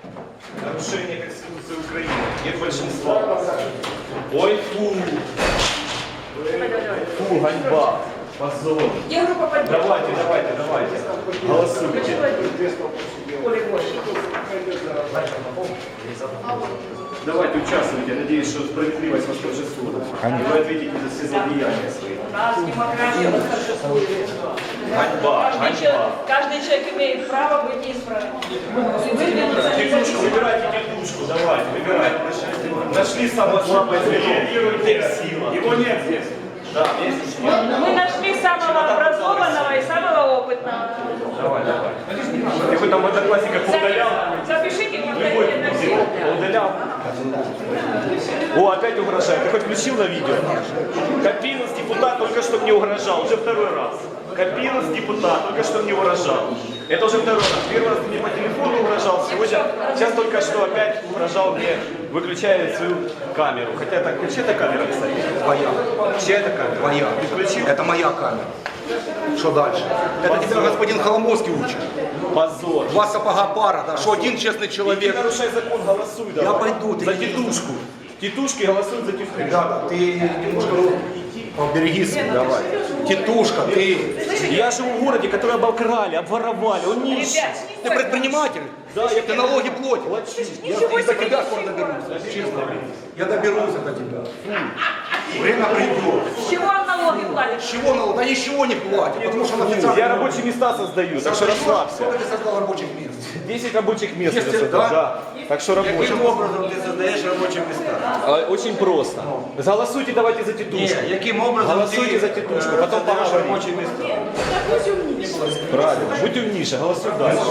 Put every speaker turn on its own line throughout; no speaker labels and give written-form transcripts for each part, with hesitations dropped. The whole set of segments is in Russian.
Нарушение Конституции Украины. Нет большинства. Ой, фу. Фу, ганьба. Позор.
Я группа поддержки.
Давайте. Голосуйте. Давайте участвуйте. Надеюсь, что справедливость восторжествует. И вы ответите за все злодеяния свои.
У нас демократия восторжествует.
Ганьба.
Каждый человек имеет право быть неисправным.
Тетушку, выбирайте тетушку, давайте, выбирайте. Нашли самое слабое звено. Сила. Его нет здесь. Да, есть.
Мы нашли самого образованного и самого опытного.
Давай. Ты хоть там в одноклассниках удалял?
Запишите, повторите на все.
Удалял. О, опять угрожает. Ты хоть включил на видео? Копилов депутат только что мне угрожал. Уже второй раз. Копилов депутат только что мне угрожал. Это уже второй раз. Первый раз мне по телефону угрожал. Сейчас только что опять угрожал мне, выключая свою камеру. Хотя так, чья это камера, кстати?
Твоя.
Чья это камера?
Твоя.
Ты включил?
Это моя камера. Что дальше? Это тебя господин Холомовский учит.
Позор.
Два сапога пара, да? Что один честный
Ты
человек.
нарушай закон, голосуй давай.
Я пойду, ты
за
не
тетушку. Тетушки голосуют за тетушку.
Ребята, ты немножко поберегись. Давай. Тетушка, ты.
Я живу в городе, который обокрали, обворовали, он нищий.
Ты предприниматель?
Да, я
Ты налоги платишь. Я до тебя скоро доберусь. Честно. Я доберусь до тебя. Время придет.
С чего он налоги платит?
С чего налог? Да ничего не платит, потому что он официально.
Я рабочие места создаю, так что расслабься.
Сколько ты создал рабочих мест?
10 рабочих мест я
10,
создал,
да?
да. Так что рабочие.
Каким образом ты создаешь рабочие места?
Очень просто. Голосуйте давайте за тетушку.
Каким образом
Голосуйте за тетушку, потом поговорим.
рабочие места?
Правильно. Будь умнейше, голосуй дальше.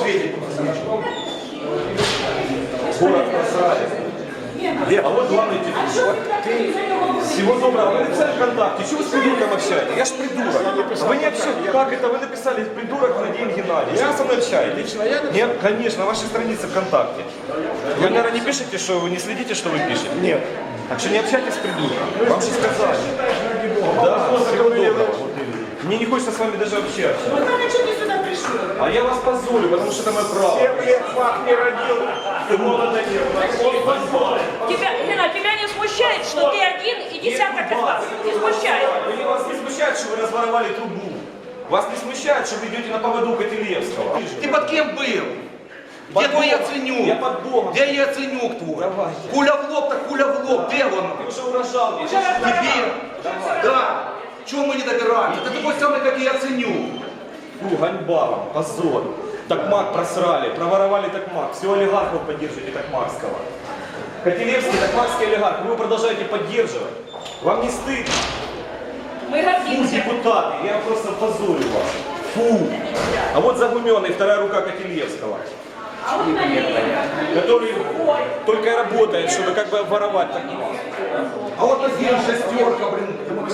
Город просрали. А вот главный тетушка. Всего доброго. Вы написали ВКонтакте. Чего вы с придурком общаетесь? Я ж придурок. Вы не общаетесь. Как это? Вы написали придурок Владимир Геннадьевич. Чего вы со мной общаетесь? Нет, конечно, на вашей странице ВКонтакте. Вы, наверное, не пишете, что вы не следите, что вы пишете? Нет. Так что не общайтесь с придурком. Вам же сказали. Да, всего доброго. Мне не хочется с вами даже общаться.
Вы что ты сюда пришли?
А я вас позорю, потому что это мое право. 7 лет факт не родил. Ты молодо не
Лена, тебя не смущает, что ты один и десяток из вас? Не смущает?
Вас не смущает, что вы разворовали трубу? Вас не смущает, что вы идете на поводу Котелевского?
Ты под кем был? Где твой Яценюк?
Я под Богом.
Где Яценюк твой?
Давайте.
Куля в лоб, так куля в лоб. Где он?
Ты уже угрожал мне.
Тебе? Да. Чего мы не добираемся? Ты такой самый, как и Яценюк.
Фу, ганьба вам, позор. Такмак просрали, проворовали Такмак. Все олигархов поддерживаете Такмакского. Котелевский, Такмакский олигарх, вы его продолжаете поддерживать. Вам не стыдно?
Мы
Фу,
гордимся.
депутаты, я просто позорю вас. Фу. А вот Загуменный, вторая рука Котелевского. Который только и работает, чтобы как бы обворовать Такмак.
А вот один шестерка, блин,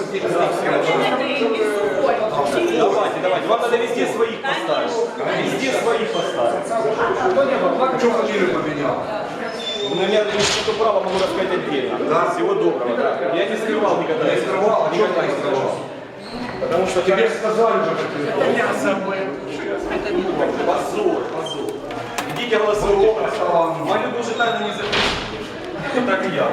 Давайте. Вам надо везде своих поставить. Везде своих поставить.
Что фамилию поменял?
У меня что право могу рассказать отдельно.
Да?
Всего доброго, да. Я не скрывал никогда.
Не скрывал? А что ты не скрывал?
Потому что
Тебе сказали уже, как ты.
позор. Идите голосуйте. Мою уже тайну не запишите. Так и я.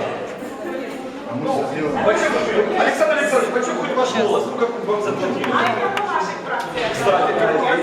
Александр Александрович, почему хоть ваш голос? Ну как вам заплатили? Кстати,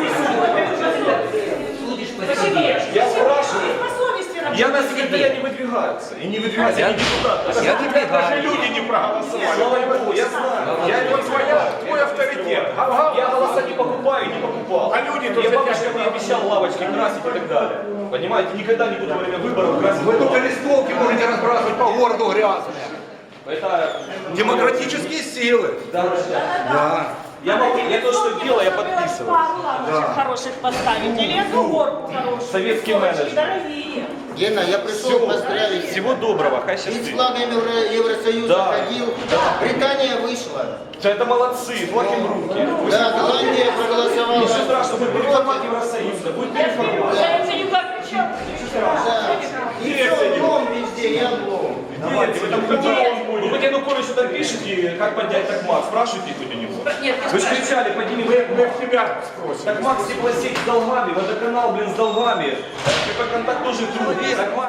я спрашиваю. Я на секретаря не выдвигаются. И не выдвигаются, я не депутат.
Я выдвигаю.
Даже люди не проголосовали.
Слава Богу, я знаю. Я
Вот твой авторитет.
Я голоса не покупаю и не покупал.
А люди тут
Я
за
бабушке
тебя
не обещал лавочки красить и так далее. Понимаете, никогда не буду во время выборов красить
Вы только
лавочки.
листовки можете разбрасывать по городу грязные.
Это
Демократические силы. Да.
Я то, что делаю, я подписываю.
Хороших поставить. Или эту горку хорошую.
Советский менеджмент.
Дорогие.
Гена, я пришел поздравить.
Всего доброго, хай
Ведь с
счастливо.
флагом Евросоюза
Да.
ходил. Британия вышла.
Это молодцы, флаг им в руки.
Да, Голландия проголосовала.
Ничего страшного, будет переформат Евросоюза, будет переформат.
Я не как кричал.
Да. И все, дом везде, я дом.
Давайте, вы там вы Януковичу там пишете, как поднять Такмак, спрашивайте хоть у него.
Нет, не
Вы же
спрашивай.
кричали, подними
Мы тебя спросим.
Такмак, теплосеть с долгами, водоканал, блин, с долгами. КП-контакт тоже трудный. Такмак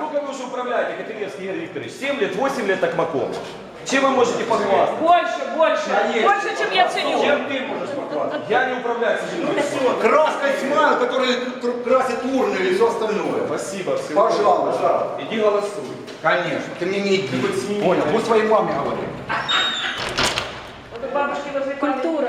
управляете, Котлевский Игорь Викторович? 7 лет, 8 лет Токмаком. Чем вы можете похвастаться?
Больше, чем я ценю.
Чем ты можешь показать?
Я не управляю, к сожалению.
Краска тьма, которая красит урны и все остальное.
Спасибо. Всего
Пожалуйста.
доброго. Иди голосуй.
Конечно. Ты мне не иди. Понял, будь своей маме говори.
Вот у бабушки возле
Культура.